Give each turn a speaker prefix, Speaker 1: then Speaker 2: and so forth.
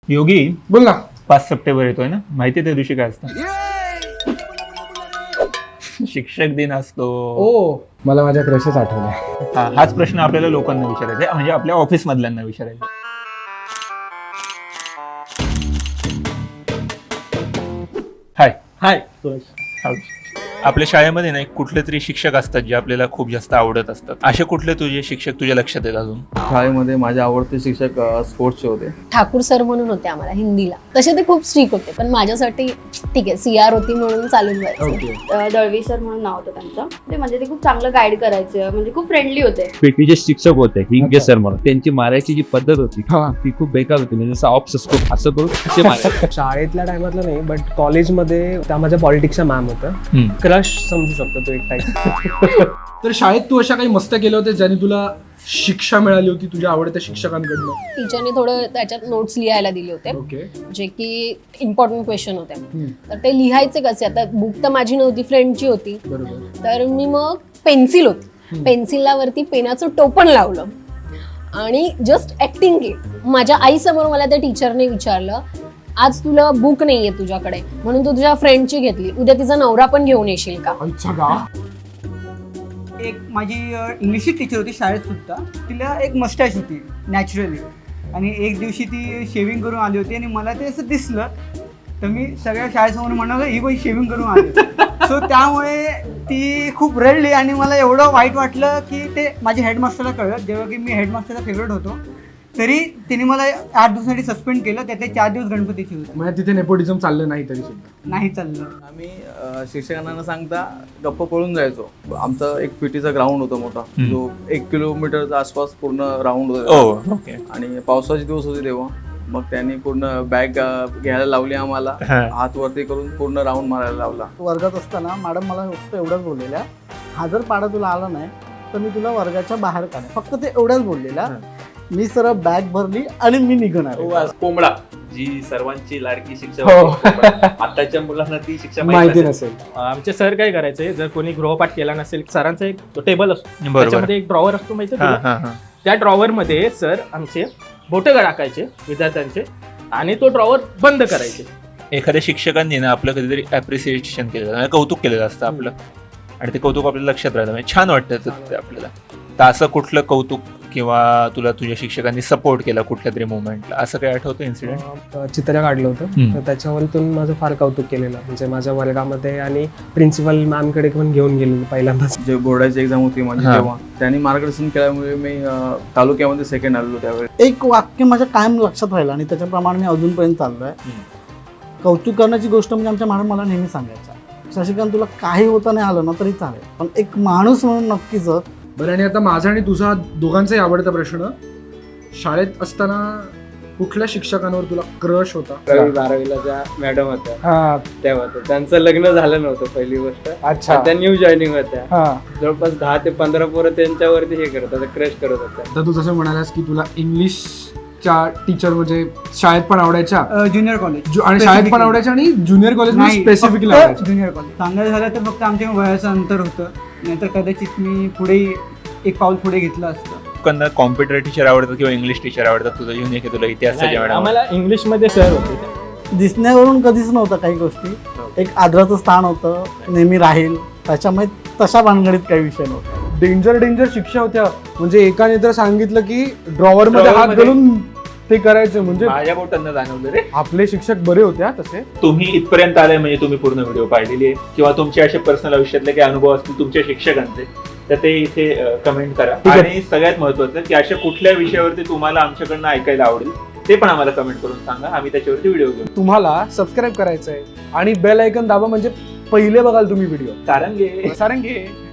Speaker 1: योगी
Speaker 2: बोल ना.
Speaker 1: 5 सप्टेंबर येतोय ना, माहिती त्या दिवशी काय असतं? शिक्षक दिन असतो.
Speaker 2: ओ मला माझ्या क्रशेस आठवल्या.
Speaker 1: हाच प्रश्न आपल्याला लोकांना विचारायचा आहे, म्हणजे आपल्या ऑफिस मधल्यांना विचारायचा. हाय
Speaker 3: हाय.
Speaker 1: आपल्या शाळेमध्ये ना एक कुठले तरी शिक्षक असतात जे आपल्याला खूप जास्त आवडत असतात. असे कुठले तुझे शिक्षक तुझ्या लक्षात आहेत अजून?
Speaker 3: शाळेमध्ये माझे आवडते शिक्षक स्पोर्ट्सचे होते.
Speaker 4: ठाकूर सर म्हणून होते आम्हाला हिंदीला. तसे ते खूप स्ट्रिक होते, पण माझ्यासाठी ठीक आहे, CR होती म्हणून चालून जायचं.
Speaker 5: दळवी सर म्हणून नाव होतं त्यांचं. ते म्हणजे ते खूप चांगलं गाईड करायचे, म्हणजे खूप फ्रेंडली होते.
Speaker 6: पीटीचे शिक्षक होते हिंगे सर म्हणून. त्यांची मारायची जी पद्धत होती ती खूप बेकार होती. म्हणजे जसं ऑप्स असतो असं करून असे मारायचे.
Speaker 7: शाळेतल्या टायमातलं नाही, बट कॉलेजमध्ये त्या माझ्या पॉलिटिक्सच्या मॅम होतं. क्रश समजू शकतो तो एक टाईप.
Speaker 2: तर शाळेत तू अशा काही मस्त केल्या होत्या ज्याने तुला शिक्षा मिळाली होती तुझ्या आवडत्या शिक्षकांकडनं?
Speaker 4: टीचरने थोडं त्याच्यात नोट्स लिहायला दिले होते,
Speaker 2: ओके.
Speaker 4: जे की इम्पॉर्टंट क्वेश्चन होते. तर ते लिहायचे कसे? आता बुक तर माझी नव्हती, फ्रेंडची होती.
Speaker 2: बरोबर.
Speaker 4: तर मी मग पेन्सिल होती, पेन्सिलला वरती पेनाचं टोपण लावलं आणि जस्ट ऍक्टिंग केली. माझ्या आईसमोर मला त्या टीचरने विचारलं, आज तुला बुक नाहीये तुझ्याकडे म्हणून तू तुझ्या फ्रेंडची घेतली, उद्या तिचा नवरा पण घेऊन येशील का?
Speaker 8: एक माझी इंग्लिशची टीचर होती शाळेत सुद्धा. तिला एक मस्टॅच होती नॅचरली, आणि एक दिवशी ती शेविंग करून आली होती आणि मला ते असं दिसलं, तर मी सगळ्या शाळेसमोर म्हणालो ही बाई शेविंग करून आली. सो त्यामुळे ती खूप रडली आणि मला एवढं वाईट वाटलं की ते माझ्या हेडमास्टरला कळलं. जेव्हा की मी हेडमास्टरचा फेवरेट होतो, तरी तिने मला 8 दिवसासाठी सस्पेंड केलं. त्यातले 4 दिवस गणपतीची होते.
Speaker 2: म्हणजे तिथे नेपोटिझम चाललं नाही तरी सुद्धा
Speaker 8: नाही चाललं.
Speaker 3: आम्ही शिक्षकांना न सांगता गप्प पळून जायचो. आमचा एक पीटीचा ग्राउंड होता मोठा, जो 1 किलोमीटरच्या आसपास पूर्ण राऊंड होता.
Speaker 1: ओके.
Speaker 3: आणि पावसाचे दिवस होते तेव्हा. मग त्यांनी पूर्ण बॅग घ्यायला लावली आम्हाला, हात वरती करून पूर्ण राऊंड मारायला लावला.
Speaker 9: वर्गात असताना मॅडम मला फक्त एवढंच बोललेल्या, हा जर पाडा तुला आला नाही तर मी तुला वर्गाच्या बाहेर काढेन. फक्त ते एवढंच बोललेल्या. मी सरळ बॅग भरली आणि मी निघणार.
Speaker 6: कोंबडा जी सर्वांची लाडकी शिक्षक, आताच्या मुलांना ती शिक्षा
Speaker 2: माहिती नसेल.
Speaker 7: आमचे सर काय करायचे, जर कोणी गृहपाठ केला नसेल, सरांचा एक टेबल असतो, त्याच्यामध्ये एक ड्रॉवर असतो माहिती आहे. त्या ड्रॉवर मध्ये सर आमचे बोटे टाकायचे विद्यार्थ्यांचे आणि तो ड्रॉवर बंद करायचे.
Speaker 1: एखाद्या शिक्षकांनी ना आपलं कधीतरी ऍप्रिसिएशन केलं, कौतुक केलेलं असतं आपलं, आणि ते कौतुक आपल्याला लक्षात राहतं, म्हणजे छान वाटतं ते आपल्याला. तर असं कुठलं कौतुक किंवा तुला तुझ्या शिक्षकांनी सपोर्ट केला कुठल्या तरी मोमेंटला, असं काही आठवतं इन्सिडेंट?
Speaker 7: चित्र काढलं होतं, तर त्याच्यावरतून माझं फार कौतुक केलेलं. म्हणजे माझ्या वर्गामध्ये आणि प्रिन्सिपल मॅमकडे पण घेऊन गेलेलं पहिल्यांदाच.
Speaker 3: जे बोर्डाची एक्झाम होती माझी तेव्हा, त्यांनी मार्गदर्शन केल्यामुळे मी तालुक्यामध्ये सेकंड आलेलो त्यावेळी.
Speaker 9: एक वाक्य माझ्या कायम लक्षात राहिलं आणि त्याच्याप्रमाणे मी अजूनपर्यंत चाललोय. कौतुक करण्याची गोष्ट म्हणजे आमच्या मॅडम मला नेहमी सांगायच्या, शशिकांत तुला काही होता नाही आलं ना तरी चालेल, पण एक माणूस म्हणून नक्की जर.
Speaker 2: बरं, आणि आता माझा आणि तुझा दोघांचाही आवडता प्रश्न, शाळेत असताना कुठल्या शिक्षकांवर तुला क्रश होता?
Speaker 10: 12वीला ज्या मॅडम होत्या तेव्हा त्यांचं लग्न झालं नव्हतं पहिली गोष्ट.
Speaker 2: अच्छा.
Speaker 10: त्या न्यू जॉईनिंग होत्या. जवळपास 10 ते 15 पोरं त्यांच्यावरती हे करत होते, क्रश करत होत्या.
Speaker 2: तर तू जसं म्हणालास की तुला इंग्लिशच्या टीचर म्हणजे शाळेत पण आवडायच्या,
Speaker 8: ज्युनियर कॉलेज
Speaker 2: आणि शाळेत पण आवडायच्या आणि junior college specifically
Speaker 8: junior college. सांगायचं झालं तर फक्त आमच्या वयाचं अंतर होतं, नाहीतर कदाचित मी पुढे एक पाऊल पुढे घेतलं असतं.
Speaker 1: लोकांना कॉम्प्युटर टीचर आवडतात किंवा इंग्लिश टीचर आवडतात? तुझं युनिक आहे, तुला इतिहासाच्या मॅडम?
Speaker 7: आम्हाला इंग्लिश मध्ये सर होते.
Speaker 9: दिसण्यावरून कधीच नव्हतं काही गोष्टी. एक आदराचं स्थान होतं, नेहमी राहील, त्याच्यामुळे तशा भानगडीत काही विषय नव्हता.
Speaker 2: डेंजर शिक्षा होत्या. म्हणजे एकाने तर सांगितलं की ड्रॉवर मध्ये हात घालून ते करायचं. म्हणजे
Speaker 1: माझ्या बोटांना जाणवलं रे.
Speaker 2: आपले शिक्षक बरे होते तसे.
Speaker 1: तुम्ही इथपर्यंत आले म्हणजे तुम्ही पूर्ण व्हिडिओ पाहिलेली आहे, किंवा तुमचे असे पर्सनल आयुष्यातले काही अनुभव असतील तुमच्या शिक्षकांचे, तर ते इथे कमेंट करा. आणि सगळ्यात महत्वाचं की अशा कुठल्या विषयावरती तुम्हाला आमच्याकडनं ऐकायला आवडेल ते पण आम्हाला कमेंट करून सांगा, आम्ही त्याच्यावरती व्हिडिओ घेऊ.
Speaker 2: तुम्हाला सबस्क्राईब करायचंय आणि बेल आयकॉन दाबा, म्हणजे पहिले बघाल तुम्ही व्हिडिओ.
Speaker 1: सारंगे.